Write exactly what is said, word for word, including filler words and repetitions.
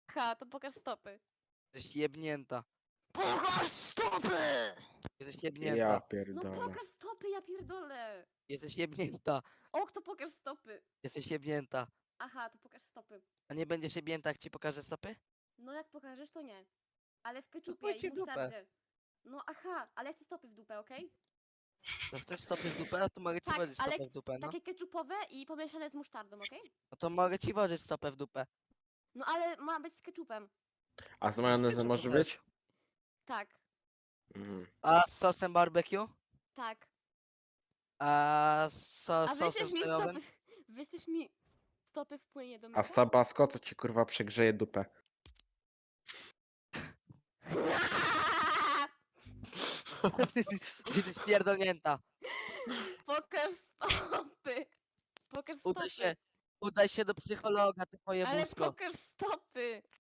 Ha, to pokaż stopy. Jesteś jebnięta. Pokaż stopy! Jesteś Ja jebnięta. No pierdolę. pokaż stopy, ja pierdolę. Jesteś jebnięta. Ok, to pokaż stopy. Jesteś jebnięta. Aha, to pokaż stopy. A nie będziesz jebnięta, jak ci pokażę stopy? No jak pokażesz, to nie. Ale w keczupie chuj i ci w dupę. musztardzie. No aha, ale ja chcę stopy w dupę, okej? No chcesz stopy w dupę? To mogę ci Tak, włożyć ale stopę w dupę, no. Takie keczupowe i pomieszane z musztardą, okej? No to mogę ci włożyć stopę w dupę. No ale ma być z keczupem. A z majonezem ketchup może też. być? Tak, Mhm. A z sosem barbecue? tak. A z so, A sosem wyślesz mi sojowym? stopy, wyślesz mi stopy w płynie do A mycia? z tabasco co ci kurwa przegrzeje dupę? Jesteś pierdolnięta. Pokaż stopy. Pokaż Udaj stopy. się, udaj się do psychologa, ty twoje Ale wózko. pokaż stopy.